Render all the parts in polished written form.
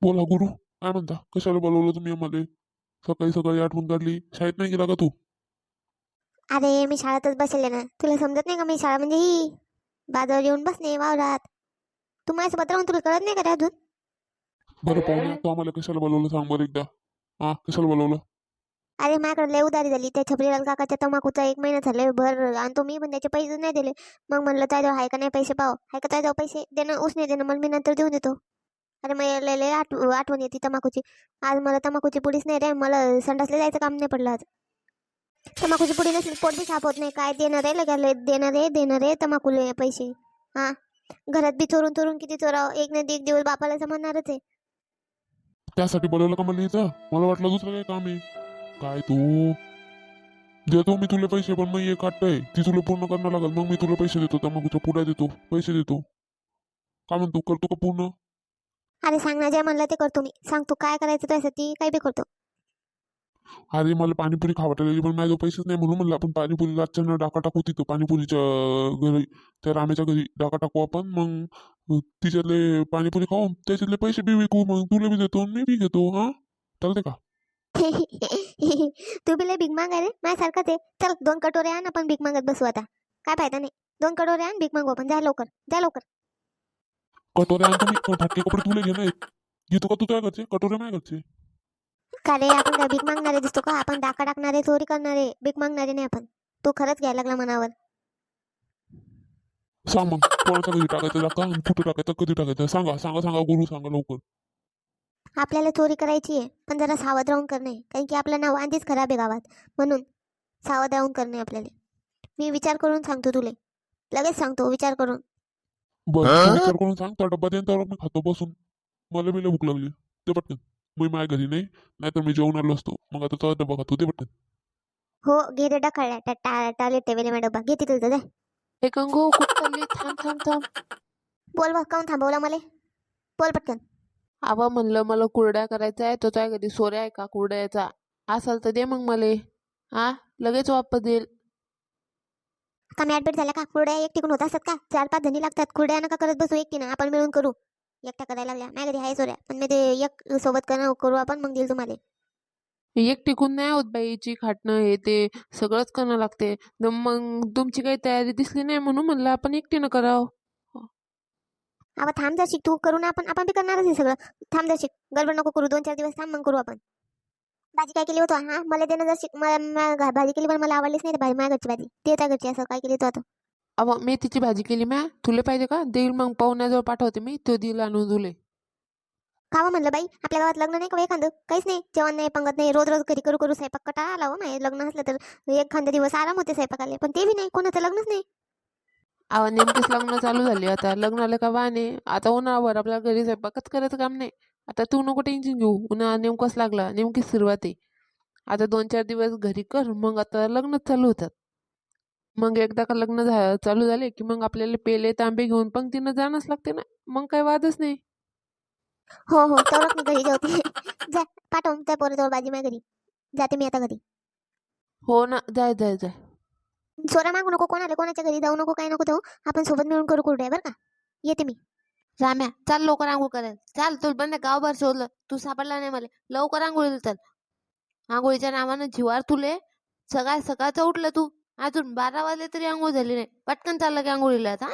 बोला गुरु, काय म्हणता? कशाला बोलवलं तुम्ही आम्हाला? सकाळी सकाळी आठवण काढली. शाळेत नाही गेला का तू? अरे मी शाळेतच बसले ना, तुला समजत नाही का? मी शाळा म्हणजे ही बाजारावर येऊन बसणे वावरात. तू माझ्यासोबत राहून तुला कळत नाही का रे अजून? बरं पाहुण्या, तू आम्हाला कशाला बोलवलं सांग बरं एकदा. हा, कशाला बोलवलं? अरे माझ्याकडे लय उधारी झाली त्या छबरीलाल काकाच्या तंबाखूचा 1 महिना झाले भर आणतो मी, पण त्याचे पैसे नाही दिले. मग म्हणलं त्याजवळ हाय का नाही पैसे, पाव हाय का त्याजवळ पैसे देणं उसने देणं, मग मी नंतर देऊन देतो. अरे मला लय आठवण येते तंबाखूची. आज मला तंबाखूची पुडीच नाही रे, मला संडासला जायचं काम नाही पडलं आज. तंबाखूची पुडी नसली पोट बी साफ होत नाही. काय देणार आहे लगाले, देणार आहे तंबाखूले पैसे. हा, घरात बी चोरून चोरून किती चोराव, एक ना एक दिवस बापाला समजणारच आहे. त्यासाठी बोलवलं का मला इथं? मला वाटलं दुसरं काही काम आहे. काय तू? देतो मी तुला पैसे, पण मग एक अट्ट आहे ती तुला पूर्ण करणं लागल. मग मी तुला पैसे देतो, तंबाखूच्या पुड्या देतो, पैसे देतो. काय म्हणतो, करतो का पूर्ण? अरे सांग ना, जे म्हणलं ते करतो मी. सांग तू काय करायचं त्यासाठी, काय बी करतो. अरे मला पाणीपुरी खावाटायला, पण माझ्याजवळ पैसेच नाही. म्हणून म्हणलं आपण पाणीपुरी रातच्या डाका टाकू तिथं पाणीपुरीच्या घरी, त्या रामेच्या घरी डाका टाकू आपण. मग तिच्यातले पाणीपुरी खाऊ, त्याच्यातले पैसे बी विकू, मग तुला बी देतो मी बी घेतो. हा, चालते का? तू बी लय भीक माग आहे रे, माझ्यासारखाच आहे. चल 2 कटोरे आण, आपण भीक मागत बसू आता. काय फायदा नाही. 2 कटोरे आण, भीक मागू आपण. जा लवकर, जा लवकर. कटोरे आणतो मी, पण फाटके कपडे तुला घेणार आहेत. घेतो का तू त्या घरचे कटोरे? माझ्या घरचे. का रे, आपण काय भीक मागणारे दिसतो का? आपण डाका टाकणारे, चोरी करणारे, भीक मागणारे नाही आपण. तू खरंच घ्यायला लागला मनावर. सांग मग, कोणाच्या घरी टाकायचं डाका आणि कुठे टाकायचं, कधी टाकायचं? सांगा सांगा सांगा गुरु, सांगा लवकर. आपल्याला चोरी करायची आहे, पण जरा सावध राहून करणे, कारण की आपलं नाव आधीच खराब आहे गावात. म्हणून सावध राहून करणे आपल्याला. मी विचार करून सांगतो तुले, लगेच सांगतो विचार करून. बरं, तू विचार करून सांग. त्या डब्बा देईन त्यावर मी खातो बसून. मला बी लय भूक लागली. ते पटकन. मी माझ्या घरी नाही, नाहीतर मी जेवण आलो असतो. मग आता तो डब्बा खातो, ते पटकन. हो घे रे, डखळल्या टाले टेवेले मॅडम डब्बा घे तिथं जा. हे गंगो कुठं चालली? थांब थांब थांब. बोल बा, काऊन थांबवला मला? बोल पटकन. आवा म्हणलं मला कुरड्या करायचा आहे, तो त्या घरी सोऱ्या आहे का कुरड्याचा? असाल तर दे मग मले. हा, लगेच वापस देईल. का ऍडमिट झाल्या का? कुरड्या एकटीकडून होत असतात का? 4-5 जणी लागतात. कुरड्या नका करत बसू एकटीनं, आपण मिळून करू. एकटा करायला लागल्या माझ्या घरी आहे सोऱ्या, पण मी ते एक सोबत करू आपण, मग देईल तुम्हाला. एक टिकून नाही होत बाईची खाटणं हे ते सगळंच करणं लागते. मग तुमची काही तयारी दिसली नाही म्हणून म्हणलं आपण एकटीनं करावं. आता थांब जशी, तू करू ना, आपण आपण बी करणारच आहे सगळं. थांब जशी, गडबड नको करू. 2-4 दिवस थांब, मग करू आपण. भाजी काय केली होतं? हा, मला देणं जशी. मला भाजी केली, पण मला आवडलीच नाही रे भाजी. माझ्या घरची भाजी ते त्या घरची, असं काय केली तू आता? अवा मेथीची भाजी केली म्या. तुले पाहिजे का? देईल मग, पाहुण्याजवळ पाठवते मी, तो देईल आणून तुले. खावं म्हणलं बाई, आपल्या गावात लग्न नाही का एखादं? काहीच नाही, जेवण नाही, पंगत नाही. रोज रोज घरी करू करू स्वयंपाक कटाळा आला हो. नाही लग्न असलं तर एखाद्या दिवस आराम होते स्वयंपाकाले, पण ते बी नाही, कोणाचं लग्नच नाही. अवा नेमकीच लग्न चालू झाली आता. लग्नाला का वाहने आता उन्हावर आपल्या घरी स्वयंपाकच करायचं काम नाही. आता तू नको टेन्शन घेऊ. उन्हाळा नेमकाच लागला, नेमकीच सुरुवात आहे. आता 2-4 दिवस घरी कर, मग आता लग्नच चालू होतात. मग एकदा का लग्न चालू झाले की मग आपल्याला पेले तांबे घेऊन पंक्तीनं जाणंच लागते ना. मग काही वादच नाही. हो हो, तेवढंच मी घरी जेवते. जा, पाठवून त्या पोराजवळ भाजी माझ्या घरी. जाते मी आता घरी. हो ना, जाय जाय जाय. सोरा मागू नको, कोणाला कोणाच्या घरी जाऊ नको, काय नको जाऊ. आपण सोबत मिळून करू कुरड्या, बरं का? येते मी. राम्या चाल लवकर आंघोळ करायला. चाल, तुला बंद गावभर शोधलं, तू सापडला नाही मला. लवकर आंघोळीला चल. आंघोळीच्या नावानं जिवार तुले. सकाळ सकाळचं उठलं तू, अजून 12 वाजले तरी आंघोळ झाली नाही. पटकन चाललं की आंघोळीला आता.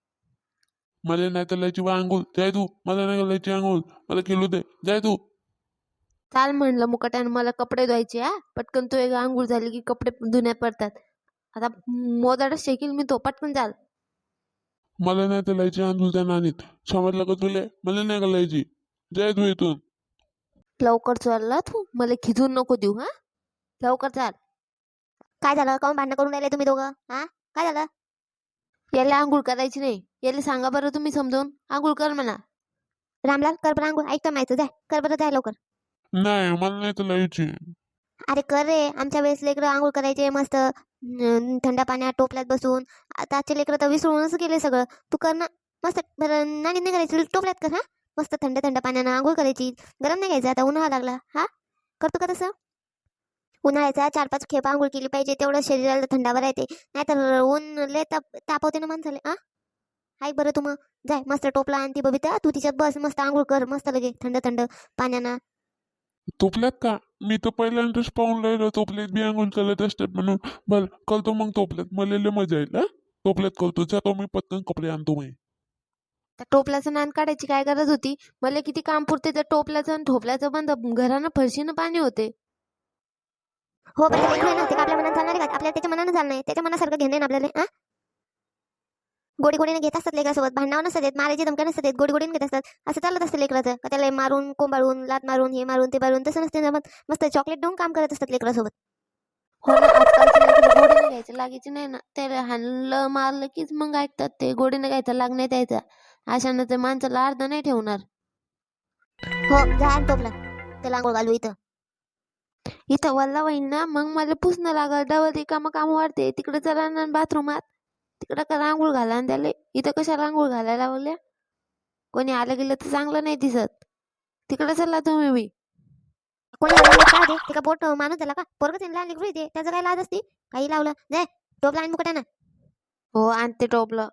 मला नाही तर लायची बा अंघोळ, जाय तू. मला नाही लायची अंघोळ, मला खेळू दे, जाय तू. चाल म्हणलं मुकाट्यानं, मला कपडे धुवायचे. हा, पटकन तू एक आंघोळ झाली की कपडे धुण्यात पडतात. आता मोदाडच शेकील मी तो. पटकन चाल. मला नाही तर लायची अंघोळ त्या नानीत. समजलं का तुला? मला नाही का लायची, जाय तू इथून. लवकर चालला तू, मला खिजून नको देऊ. हा, लवकर चाल. काय झालं? काऊन भांडण करून राहिले तुम्ही दोघं? हा, काय झालं? याला आंघोळ करायची नाही. याला सांगा बरं तुम्ही समजावून. आंघोळ कर म्हणा. रामलाल, कर बरं आंघोळ. ऐकतं माहिती, जाय कर बरं, जाय लवकर. नाही, मला नाही तर लायची. अरे कर रे, आमच्या वेळेस लेकरं आंघोळ करायचे मस्त थंड पाण्यात टोपल्यात बसून. आता आजचे लेकरं तर विसरूनच गेले सगळं. तू कर ना मस्त. बरं नाणी नाही करायची, टोपल्यात कर. हा, मस्त थंड थंड पाण्यानं आंघोळ करायची. गरम नाही घ्यायचं, आता उन्हाळा लागला. हा, करतो का तसं? उन्हाळ्याचा 4-5 खेप आंघोळ केली पाहिजे, तेवढं शरीराला थंडावा राहते. नाहीतर ऊन लय तापवते ना माणसाले. हा, ऐक बरं तू मग जाय मस्त टोपला आणि ती बबिता तू तिच्यात बस मस्त आंघोळ कर मस्त लगे थंड थंड पाण्यानं. तोपल्यात का? मी तर पहिल्यांदाच पाहून राहिलो तोपल्यात बी अंघोळ चालत असतात म्हणून. बरं करतो मग तोपल्यात, मला लय मजा येईल हा. तोपल्यात करतो, जातो मी पटकन कपडे आणतो मी. त्या टोपल्याचं नान काढायची काय गरज होती? मला किती काम पुरते त्या टोपल्याचं आणि ठोपल्याचं बंद, घरानं फरशीनं पाणी होते. हो पण ते लेकरं आहे ना ते का आपल्या मनात चालणार आहे का? आपल्याला त्याच्या मनानं चालणार आहे, त्याच्या मनासारखं घेणं आहे ना आपल्याला. हा गोडी गोडीने घेत असतात लेकरासोबत, भांडणावर नसतात येत, मारायची धमक्या नसतात येत, गोडी गोडीने घेत असतात. असं चालत असतं लेकराचं का त्याला मारून कोंबाळून लात मारून हे मारून ते मारून तसं नसते जमत. मस्त चॉकलेट देऊन काम करत असतात लेकरासोबत. हो ना, आजकालच्या लेकरं गोडीने घ्यायचं लागायची नाही ना, त्याला हाणलं मारलं कीच मग ऐकतात ते. गोडीने घ्यायचा लाग नाही द्यायचा, अशानं ते माणसाला अर्ध नाही ठेवणार. हो जा आणि टोपला त्याला आंघोळ घालू इथं. इथं वल्ला होईन ना मग मला पुसणं लागल, डबल रिकामं काम वाढते. तिकडे चला ना बाथरूमात, तिकडं का आंघोळ घाला आणि त्याला इथं कशाला आंघोळ घालायला लावल्या? कोणी आलं गेलं तर चांगलं नाही दिसत. तिकडे चला तुम्ही बी. कोणी लावलं काय ते का बोट माणूस झाला का? पोरग त्यांना लहान लेकरू आहे ते, त्याचं काय लाज असते? काही लावलं जाय टोपला आणि मुकट्यानं. हो आणते टोपलं.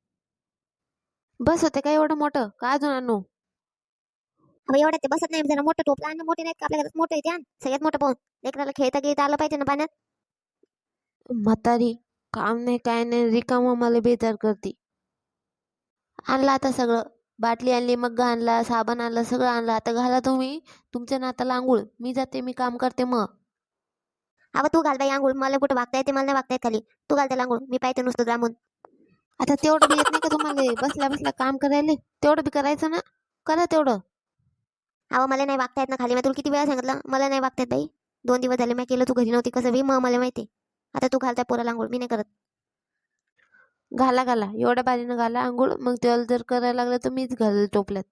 बस होते का एवढं मोठं का अजून आणू? अहो एवढ्या ते बसत नाही जरा मोठं टोपला आणि मोठे नाहीत का आपल्या घरात मोठं आहे ते आण. सगळ्यात मोठं पाहून लेकराला खेळता खेळता आलं पाहिजे ना पाण्यात. म्हातारी काम नाही काय नाही रिकामं मला बेजार करते. आणलं आता सगळं, बाटली आणली, मग आणला, साबण आणलं, सगळं आणलं. आता घाला तुम्ही तुमच्या नाताला आंघोळ, मी जाते, मी काम करते मग. अहो तू घाल बाई आंघोळ, मला कुठं वागता येते, मला नाही वागता येत खाली. तू घाल त्याला आंघोळ, मी पाहते नुसतं जामून. आता तेवढं बी येत नाही का तुम्हाला बसल्या बसल्या काम करायला? तेवढं बी करायचं ना, करा तेवढं. अहो मला नाही वागता येत ना खाली, मी तुला किती वेळा सांगितलं मला नाही वागता येत बाई. 2 दिवस झाले मी केलं, तू घरी नव्हती कसं बी, मग मला माहिती. आता तू घालता पोराला आंघोळ, मी नाही करत. घाला घाला एवढ्या बारीनं घाला आंघोळ, मग तेवढं जर करायला लागलं तर मीच घाल टोपल्यात.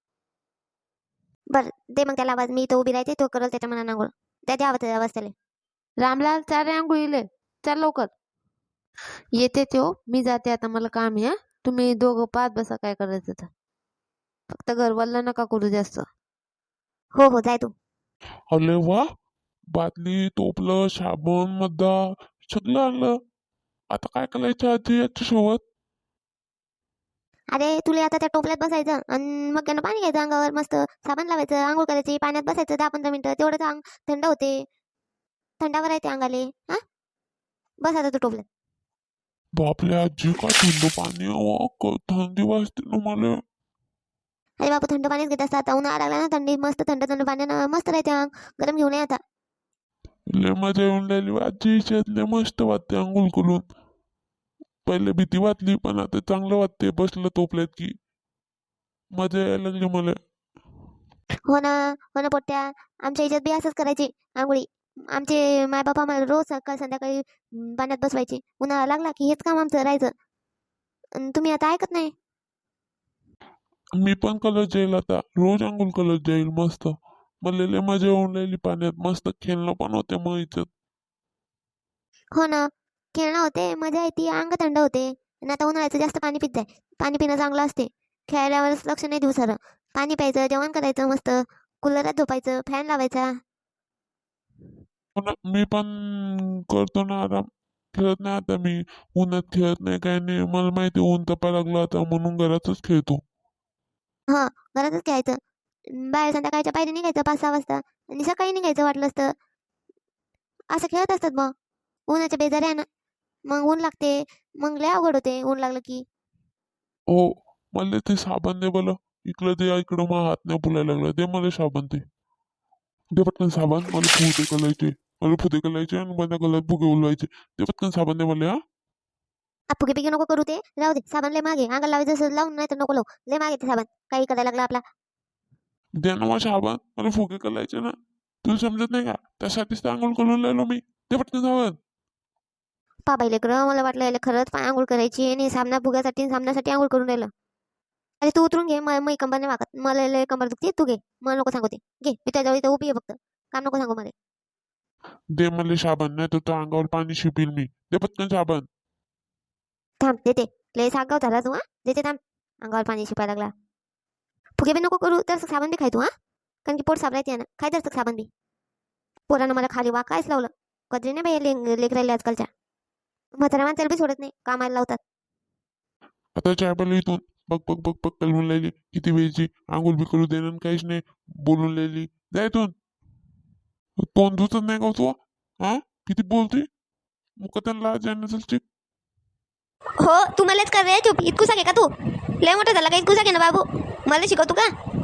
बरं दे मग त्याला आवाज, मी तो उभी राहते तो करल त्याच्या मनानं आंघोळ. त्या आवाज आवाज त्याला. रामलाल चारे आंघोळीले चल लवकर. येते त्यो, मी जाते आता, मला काम आहे. तुम्ही दोघं पाहत बसा काय करायचं तर, फक्त घरवाला नका करू जास्त. हो हो जाय तू. अरे वा, बादली टोपलं साबण मद्दा सगळं आणलं. आता काय करायचं आजी याच्यासोबत? अरे तुला आता त्या टोपल्यात बसायचं आणि मग त्यानं पाणी घ्यायचं अंगावर मस्त, साबण लावायचं, आंघोळ करायची, पाण्यात बसायचं 10-15 मिनिटं, तेवढंच अंग थंड होते. थंडावर येते अंगाले. हा बस आता तू टोपल्यात. बापले आजी काय थंड पाणी हवं, थंडी वाजते ना मला. अरे बापू थंड पाणीच घेत असतात, उन्हाळा लागला ना थंडी मस्त थंड थंड पाण्यानं मस्त राहते अंग. गरम घेऊन ये आता. लय मजा येऊन राहिली आजी हिच्यात, लय मस्त वाटते आंघोळ करून. पहिले भीती वाटली पण आता चांगलं वाटते बसलं तोपल्यात की. मजा यायला लागली मला. हो ना पोट्ट्या, आमच्या याच्यात बी असंच करायचे आंघोळी. आमचे माय बाबा आम्हाला रोज सकाळ संध्याकाळी पाण्यात बसवायचे. उन्हाळा लागला की हेच काम आमचं राहायचं. आणि तुम्ही आता ऐकत नाही. मी पण कलर जाईल आता, रोज आंघोळ कलर जाईल मस्त. मला लय मजा येऊन राहिली पाण्यात, मस्त खेळणं पण होते मग हिच्यात. हो ना खेळणं होते, मजा येते, अंग थंड होते. आणि आता उन्हाळ्याचं जास्त पाणी पित जाय, पाणी पिणं चांगलं असते. खेळल्यावरच लक्ष नाही देऊ सारं. पाणी प्यायचं, जेवण करायचं मस्त, कूलरात झोपायचं, फॅन लावायचा. हो ना, मी पण करतो ना आराम. खेळत नाही आता मी, उन्हात खेळत नाही काय नाही, मला माहिती ऊन तपा लागलं आता म्हणून घरातच खेळतो. हा घरातच खेळायचं. बाहेर संध्याकाळच्या पायरी निघायचं 5-6 वाजता आणि सकाळी निघायचं वाटलं असतं. असं खेळत असतात मग. उन्हाच्या बेजारी आहे ना, मग ऊन लागते, मग लय अवघड होते ऊन लागलं की. हो, मला ते साबण दे बोल. इकडं दे, इकडं मग हात नाही फुलायला लागला, दे मला साबण ते. दे पटकन साबण, मला फुगे करायचे. मला फुगे करायचे आणि माझ्या गळ्यात फुगे उलवायचे. दे पटकन साबण दे मला. फुगे पिगे नको करू, ते राहू दे. साबण लय मागे अंगाला लावायचं असं लावून, नाही तर नको लावू. लय मागे ते साबण, काही करायला लागला आपला. दे ना मग साबण, मला फुगे करायचे ना. तुला समजत नाही का, त्यासाठीच तर आंघोळ करून राहिलो मी. दे पटकन साबण. पा बाई लेकरं, मला वाटलं याला खरंच पाय आंघोळ करायची आणि साबणा फुग्यासाठी आणि साबणासाठी आंघोळ करून राहिलं. अरे तू उतरून घे, मी कंबर नाही वागत, मला लय कंबर दुखते. तू घे, मला नको सांगू ते. घे, मी त्याच्यावर इथं उभी आहे फक्त, काम नको सांगू मला. दे मला साबण, नाही तर त्या अंगावर पाणी शिपील मी. दे पटकन साबण. थांब देते. लय सागाव झाला तू. हा देते थांब. अंगावर पाणी शिपायला लागला. फुगे बी नको करू, तर साबण बी खाय तू. हा कारण की पोट साबरायचे ना, खाय तर साबण बी. पोरानं मला खाली कायच लावलं. कधी नाही बाई लेकरायले आजकालच्या. म्हाताऱ्या माणसाला बी सोडत नाही, कामाला लावतात. आता चाय प्यायला इथून बघ बघ बघ बघ कलमून राहिली किती वेळची आंघोळ बी करू देणं काहीच नाही बोलून राहिली जा इथून तोंड धुतच नाही का तू हा किती बोलते मुक त्यांना जाणं चलते हो तू मलाच कर रे चुप इतकूसा घे का तू लय मोठा झाला का इतकूसा घे ना बाबू मला शिकवतो का